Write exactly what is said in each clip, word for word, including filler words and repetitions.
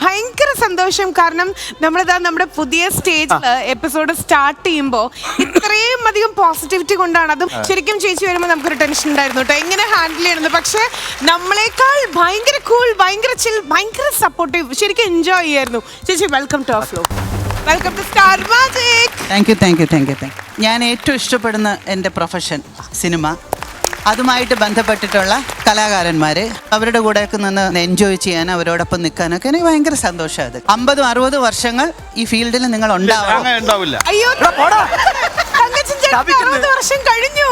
ഭയങ്കര സന്തോഷം. കാരണം നമ്മളിതാ നമ്മുടെ പുതിയ സ്റ്റേജിൽ എപ്പിസോഡ് സ്റ്റാർട്ട് ചെയ്യുമ്പോൾ ഇത്രയും അധികം പോസിറ്റിവിറ്റി കൊണ്ടാണ്. അതും ശരിക്കും ചേച്ചി വരുമ്പോൾ നമുക്കൊരു ടെൻഷൻ ഉണ്ടായിരുന്നു കേട്ടോ, എങ്ങനെ ഹാൻഡിൽ ചെയ്യണമെന്ന്. പക്ഷെ നമ്മളെക്കാൾ ഭയങ്കര കൂൾ, ഭയങ്കര ചിൽ, ഭയങ്കര സപ്പോർട്ടീവ്, ശരിക്കും എൻജോയ് ചെയ്യായിരുന്നു. ചേച്ചി welcome to our flow, welcome to Star Magic. Thank you thank you thank you thank you. ഞാൻ ഏറ്റവും ഇഷ്ടപ്പെടുന്ന എൻ്റെ പ്രൊഫഷൻ സിനിമ, അതുമായിട്ട് ബന്ധപ്പെട്ടിട്ടുള്ള കലാകാരന്മാർ, അവരുടെ കൂടെയൊക്കെ നിന്ന് എൻജോയ് ചെയ്യാൻ, അവരോടൊപ്പം നിൽക്കാനൊക്കെ എനിക്ക് ഭയങ്കര സന്തോഷമാണ്. അത് അമ്പതും അറുപത് വർഷങ്ങൾ ഈ ഫീൽഡിൽ നിങ്ങൾ ഉണ്ടാവില്ല. അയ്യോ വർഷം കഴിഞ്ഞു.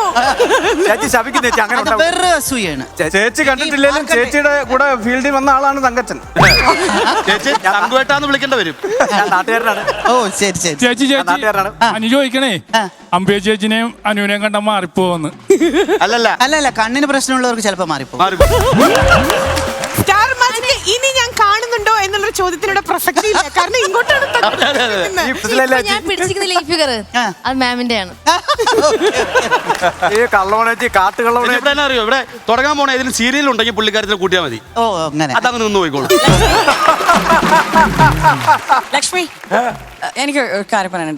വേറെ അസൂയാണ്. ചേച്ചി കണ്ടിട്ടില്ലെങ്കിലും ചേച്ചിയുടെ കൂടെ ഫീൽഡിൽ വന്ന ആളാണ് തങ്കച്ചൻ. ചേച്ചി തങ്കുവേട്ടാന്ന് വിളിക്കേണ്ട വരും. ഓ ശരി ശരി. ചേച്ചി ചേച്ചി അനു ചോദിക്കണേ, അമ്പേ ചേച്ചിനെയും അനുവിനെയും കണ്ട മാറിപ്പോന്ന്. അല്ലല്ല അല്ലല്ല, കണ്ണിന് പ്രശ്നമുള്ളവർക്ക് ചിലപ്പോൾ മാറിപ്പോ. സ്റ്റാർ മാജിക് ഇനി ഞാൻ കാണുന്നുണ്ടോ എന്നുള്ള ചോദ്യത്തിനോട് പ്രസക്തി ഇല്ല, കാരണം ഇങ്ങോട്ടാണ് ഞാൻ പിടിച്ചിരിക്കുന്ന ഈ ഫിഗർ അത് മാമിന്റെ ആണ്. അറിയോ ഇവിടെ തുടങ്ങാൻ പോണ ഏതെങ്കിലും സീരിയൽ ഉണ്ടെങ്കിൽ പുള്ളിക്കാരത്തിൽ കൂട്ടിയാൽ മതി. ഓ അങ്ങനെ അതങ്ങ് നിന്ന് പോയിക്കോളൂ. ലക്ഷ്മി, എനിക്ക് ഒരു കാര്യം പറയാനുണ്ട്.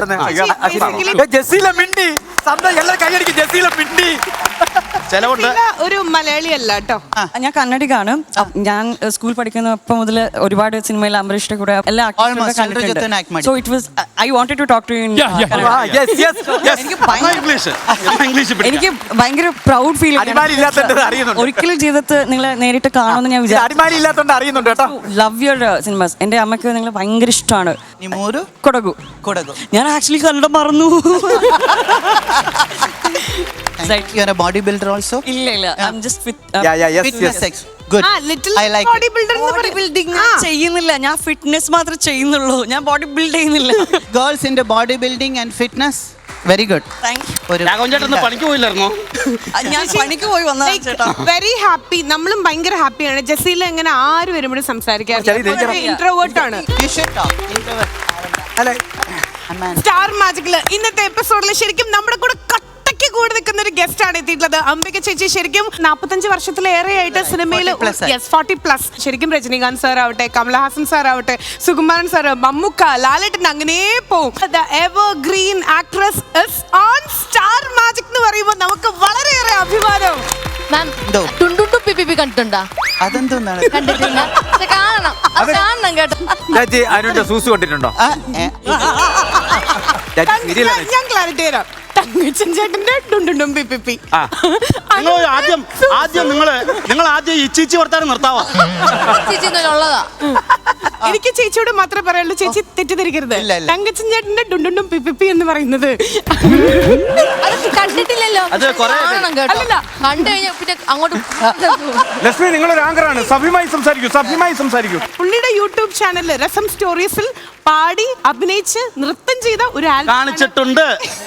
ഒരു മലയാളി അല്ല കേട്ടോ, ഞാൻ കന്നഡികാണ്. ഞാൻ സ്കൂൾ പഠിക്കുന്നപ്പോൾ മുതൽ ഒരുപാട് സിനിമയിൽ അംബരീഷിന്റെ കൂടെ എല്ലാ ആക്ടേഴ്സിനെ കണ്ടിട്ടുണ്ട്. So it was I wanted to talk to you in എനിക്ക് ഭയങ്കര പ്രൗഡ് ഫീൽ. ഒരിക്കലും ജീവിതത്തിൽ നിങ്ങളെ നേരിട്ട് കാണുമെന്ന് ഞാൻ വിചാരിച്ചു. Love your cinemas. എന്റെ അമ്മയ്ക്ക് നിങ്ങൾ ഭയങ്കര ഇഷ്ടമാണ്. കൊടകു കൊടകു ഞാൻ ആക്ച്വലി കന്നഡ മറന്നു. Body builder also? ഇല്ല ഇല്ല, ഐ ആം ജസ്റ്റ് ഫിറ്റ്. ചെയ്യുന്നില്ല, ഞാൻ ഫിറ്റ്നസ് മാത്രമേ ചെയ്യുന്നുള്ളൂ, ഞാൻ ബോഡി ബിൽഡ് ചെയ്യുന്നില്ല. ഗേൾസിന്റെ body building and fitness very good. പണിക്ക് പോയില്ലായിരുന്നോ? ഞാൻ പണിക്ക് പോയി വന്നതാ. Very happy. നമ്മളും ഭയങ്കര ഹാപ്പിയാണ്. ജസീല എങ്ങനെ ആര് വരുമ്പോഴും സംസാരിക്കാറില്ല, ഇൻട്രോവേർട്ട് ആണ്. സ്റ്റാർ മാജിക്കില് ഇന്നത്തെ എപ്പിസോഡിൽ ശരിക്കും നമ്മുടെ കൂടെ കട്ടയ്ക്ക് കൂടി നിൽക്കുന്ന ഒരു ഗസ്റ്റ് ആണ് എത്തിയിട്ടുള്ളത്. അംബിക ചേച്ചി ശരിക്കും നാപ്പത്തഞ്ച് വർഷത്തിലേറെ ആയിട്ട് സിനിമയിൽ ഫോർട്ടി പ്ലസ് ശരിക്കും രജനീകാന്ത് സാർ ആവട്ടെ, കമലഹാസൻ സാർ ആവട്ടെ, സുകുമാരൻ സാർ, മമ്മൂക്ക, ലാലേട്ടൻ, അങ്ങനെ പോവും. Evergreen actress is on Star Magic എന്ന് പറയുമ്പോൾ നമുക്ക് വളരെയേറെ അഭിമാനം. കണ്ടിട്ടുണ്ടോ? അതെന്താണ്? കണ്ടിട്ടില്ല, കാണണം കാണണം കേട്ടോ. അനുവിന്റെ സൂസു കണ്ടിട്ടുണ്ടോ? ഞാൻ ക്ലാരിറ്റി തരാം. തങ്കച്ചൻ ചേട്ടന്റെ ഡുണ്ടുണ്ടും പിപ്പി. നിങ്ങൾ ആദ്യം ആദ്യം നിങ്ങള് നിങ്ങൾ ആദ്യം ഈ ചീച്ചി വർത്താനം നിർത്താവാ. ഉള്ളതാ. എനിക്ക് ചേച്ചിയോട് മാത്രമേ പറയുള്ളൂ, ചേച്ചി തെറ്റിദ്ധരിക്കരുത്. തങ്കച്ചൻ ചേട്ടന്റെ ഡുണ്ടുണ്ടും പിപ്പി എന്ന് പറയുന്നത് കണ്ടിട്ടില്ലല്ലോ. കണ്ടു കഴിഞ്ഞാൽ പിന്നെ അങ്ങോട്ട്. ലക്ഷ്മി, നിങ്ങളൊരു ആങ്കറാണ്, സഭ്യമായി സംസാരിക്കൂ, സഭ്യമായി സംസാരിക്കൂ. പുള്ളിയുടെ യൂട്യൂബ് ചാനലിൽ രസം സ്റ്റോറീസിൽ പാടി അഭിനയിച്ച് നൃത്തം ചെയ്ത ഒരു ആൽബം കാണിച്ചിട്ടുണ്ട്.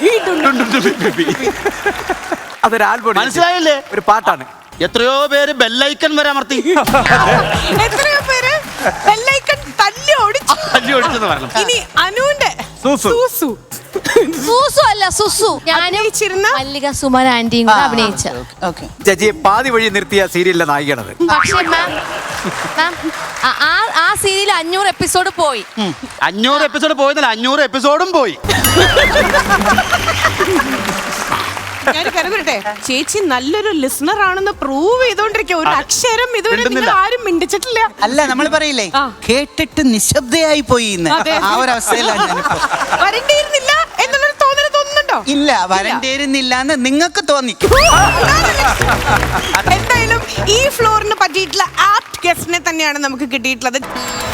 അതൊരു ആൽബം, മനസ്സിലായില്ലേ? ഒരു പാട്ടാണ്. എത്രയോ പേര് ബെല്ലൈക്കൺ വരെ അമർത്തി, എത്രയോ പേര് ബെല്ലൈക്കൺ തല്ലി ഓടിച്ചു തല്ലി ഓടിച്ചെന്ന് പറഞ്ഞു. ഇനി അനുവിന്റെ സൂസു സൂസു അല്ല സുസു. ഞാനും മല്ലിക സുമൻ ആന്റിയും കൂടെ അഭിനയിച്ച ചേച്ചിയെ പാതി വഴി നിർത്തിയ സീരിയലിലെ നായികയാണത്. പക്ഷേ മാം മാം ആ സീരിയൽ അഞ്ഞൂറ് എപ്പിസോഡ് പോയി. അഞ്ഞൂറ് എപ്പിസോഡ് പോയതല്ല, അഞ്ഞൂറ് എപ്പിസോഡും പോയി. ഞാൻ കരുതട്ടെ, ചേച്ചി നല്ലൊരു ലിസണർ ആണെന്ന് പ്രൂവ് ചെയ്തോണ്ടിരിക്കുക. ഒരു അക്ഷരം ഇതുവരെ നിങ്ങൾ ആരും മിണ്ടിച്ചിട്ടില്ല. അല്ല, നമ്മൾ പറയില്ലേ, കേട്ടിട്ട് നിശബ്ദയായി പോയി. ആ ഒരു അവസ്ഥയിലാണ് ഞാനിപ്പോ. വരണ്ടിയിരുന്നില്ല എന്നുള്ളൊരു തോന്നൽ തോന്നുന്നുണ്ടോ? ഇല്ല, വരണ്ടിയിരുന്നില്ല എന്ന് നിങ്ങൾക്ക് തോന്നി. എന്തായാലും ഈ ഫ്ലോറിന് പറ്റിയിട്ടുള്ള ആപ്റ്റ് ഗസ്റ്റിനെ തന്നെയാണ് നമുക്ക് കിട്ടിയിട്ടുള്ളത്.